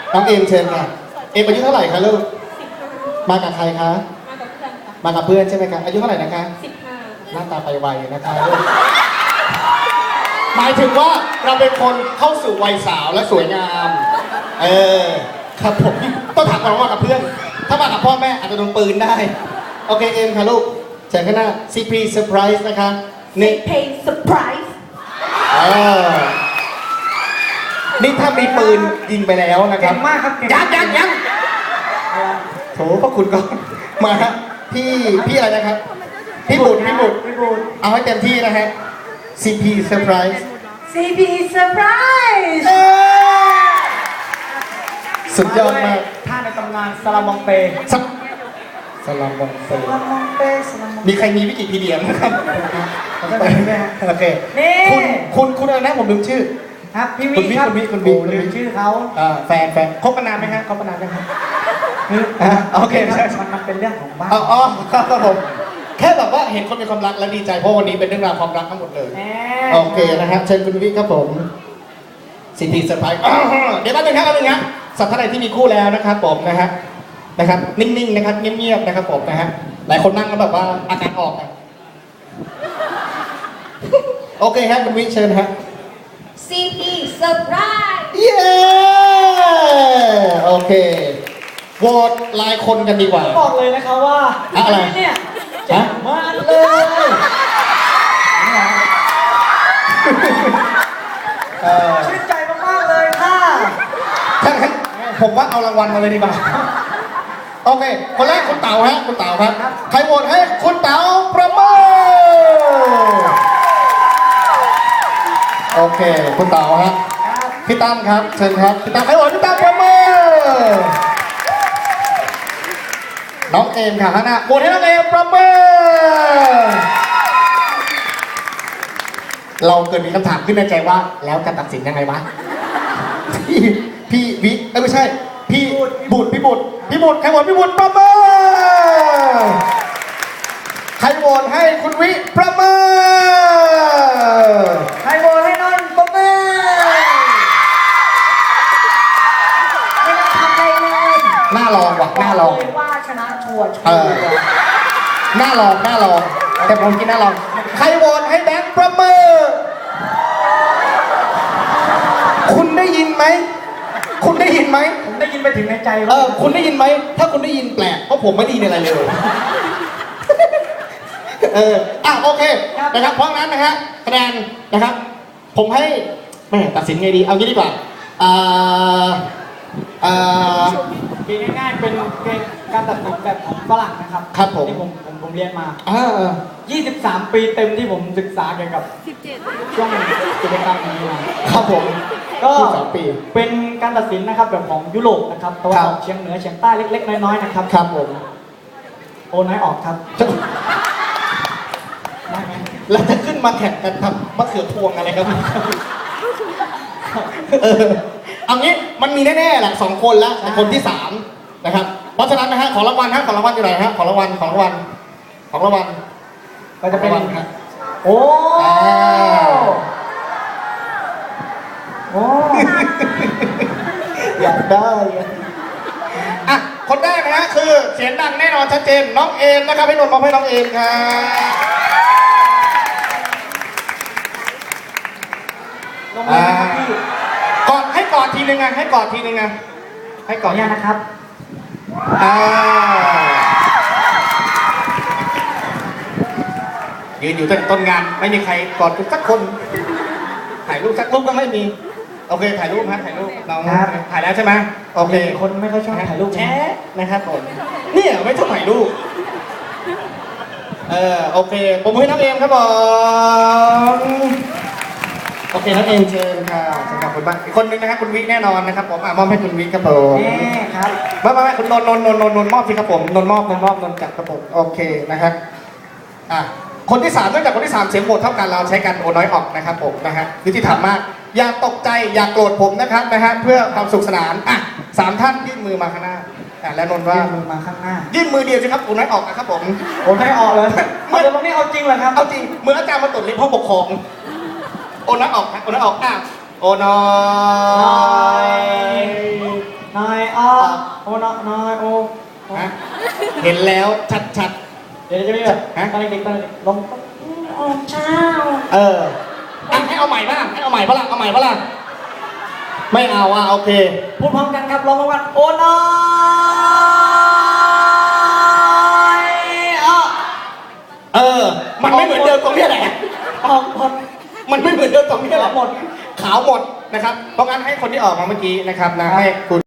น้องเอมเชิญค่ะเอมอายุเท่าไหร่คะลูกมากับใครคะมากับเพื่อนใช่ไหมคะอายุเท่าไหร่นะคะหน้าตาไปไวนะคะหมายถึงว่าเราเป็นคนเข้าสู่วัยสาวและสวยงามครับผมต้องถามก่อนว่ามากับเพื่อนถ้ามากับพ่อแม่อาจจะโดนปืนได้โอเคเอมค่ะลูกเชิญข้างหน้า CP Surprise นะคะนี่เพลงเซอร์ไพรส์นี่ถ้ามีปืนยิงไปแล้วนะครับเก่งมากครับเก่งยังโถพระคุณก็มาฮะพี่อะไรนะครับพี่บุตรเอาให้เต็มที่นะฮะ CP Surprise CP เซอร์ไพรส์สุดยอดมากท่าในตำนานสลามองเปสลามบองเซสลามองเปสลามองมีใครมีวิกิพีเดียไหมครับขอโทษนะแม่โอเคนี่คุณอะไรนะผมลืมชื่อครับพี่วิครับคุณวิโอ้ลืมชื่อเขาแฟนคบกันนานไหมฮะคบกันนานไหมครับ โอเคคใช่รับมันเป็นเรื่องของบ้านอ๋อครับผมแค่แบบว่าเห็นคนมีความรักและดีใจเพราะวันนี้เป็นเรื่องราวความรักทั้งหมดเลยแหมโอเคนะครับเชิญคุณวิครับผมสิทธิเซอร์ไพรส์เดี๋ยวแป๊บนึงครับสัตว์ท่านใดที่มีคู่แล้วนะครับผมนะครับนิ่งๆนะครับเงียบๆนะครับผมนะฮะหลายคนนั่งแล้วแบบว่าอาการออกอะโอเคครับคุณวิเชิญฮะ CP เซอร์ไพรส์เย้โอเคโหวตรายคนกันดีกว่าบอกเลยนะคะว่าอะไรเนี่ยฮะมากเลยชื่นใจมากๆเลยค่ะถ้างั้นผมว่าเอารางวัลมาเลยดีกว่าโอเคคนแรกคุณเต๋าฮะคุณเต๋าครับใครโหวตให้คุณเต๋าประเมินโอเคคุณเต๋าฮะพี่ตั้มครับเชิญครับพี่ตั้มใครโหวตพี่ตั้มประเมินน้องเอมค่ะข้างหน้าโหวตให้น้องเอมประเมินเราเกิดมีคำถามขึ้นในใจว่าแล้วจะตัดสินยังไงวะพี่วิไม่ใช่พี่บุตรใครโหวตพี่บุตรประเมินใครโหวตให้คุณวิประเมินใครโหวตให้นนท์ปรบมือไม่ต้องทำอะไรเลยหน้าลองว่ะหน้าลองบอกเลยว่าชนะชัวร์หน้าลองแต่ผมกินหน้าลองใครโหวตให้แบงค์ประเมินคุณได้ยินไหมผมได้ยินไปถึงในใจว่าคุณได้ยินไหม ถ้าคุณได้ยินแปลก เพราะผมไม่ได้ยินอะไรเลย โอเค นะครับ เพราะงั้นนะฮะคะแนนนะครับ ผมให้แม่ตัดสินไงดี เอางี้ดีกว่าปีง่ายๆเป็นการตัดสินแบบของฝรั่งนะครับครับผมที่ผมเรียนมา 23 ปีเต็มที่ผมศึกษาเกี่ยวกับช่วงกิจกรรมนี้มาครับผมก็ 23 ปีเป็นการตัดสินนะครับแบบของยุโรปนะครับตะวันออกครับเฉียงเหนือเฉียงใต้เล็กๆน้อยๆนะครับครับผมโอน้อยออกครับได้ไหมแล้วจะขึ้นมาแข่งกันทำมะเขือพวงอะไรครับ เอางี้มันมีแน่ๆแหละ2 คนแล้วแต่คนที่ 3 นะครับ เพราะฉะนั้นนะฮะของรางวัลอยู่ไหนฮะของรางวัลก็จะเป็นรางวัลครับโอ้อ่าโอ้อยากได้อ่ะคนแรกนะฮะคือเสียงดังแน่นอนชัดเจนน้องเอมนะครับให้นนท์มอบให้น้องเอมครับลงเลยนะครับพี่กอดทีนึงไงให้กอดทีนึงไงให้กขออดอนุญาตนะครับยืนอยู่ตั้งต้นงานไม่มีใครกอดสักคนถ่ายรูปสักรูปก็ไม่มีโอเคถ่ายรูปครับถ่ายรูปน้องครับถ่ายแล้วใช่ไหมโอเคคนไม่ค่อยชอบถ่ายรูปแชะนะครับผมเนี่ยไม่ชอบถ่ายรูปโอเคผมให้น้องเอมครับผมโอเคน้องเอมเชิญค่ะเชิญกับคุณบ้างอีกคนนึงนะครับคุณวิแน่นอนนะครับผมมอบให้คุณวิครับผมแน่ครับไม่คุณนนท์มอบสิครับผมนนท์มอบจัดครับผมโอเคนะครับคนที่3เนื่องจากคนที่3เสียงโหวตเท่ากันเราใช้กันโอน้อยออกนะครับผมนะฮะยุติธรรมมากอย่าตกใจอย่าโกรธผมนะครับนะฮะเพื่อความสุขสนาน3 ท่านยื่นมือมาข้างหน้าแล้วนนท์ว่ายื่นมือมาข้างหน้ายื่นมือเดียวสิครับโอน้อยออกนะครับผมโอ้ให้ออกเลยเดี๋ยวตรงนี้เอาจริงเหรอครับเอาจริงเหมือนอาจารย์มาตรวจลิ้นห้องปกครองโอน้อยออกครับโอน้อยออกโอน้อยน้อน้อยโอ้ฮะเห็นแล้วชัดเดี๋ยวจะมีแบบฮะตอนเด็กๆตอนเด็กๆลงโอ้เจ้าๆอ่ะให้เอาใหม่บ้างให้เอาใหม่ปะล่ะเอาใหม่ปะล่ะไม่เอาอ่ะโอเคพูดพร้อมกันครับร้องพร้อมกันโอ้น้อยมันไม่เหมือนเดิมตรงเนี้ยแหละออกหมดมันไม่เหมือนเดิมตรงเนี้ยแหละหมดขาวหมดนะครับเพราะงั้นให้คนที่ออกมาเมื่อกี้นะครับนะให้คุณ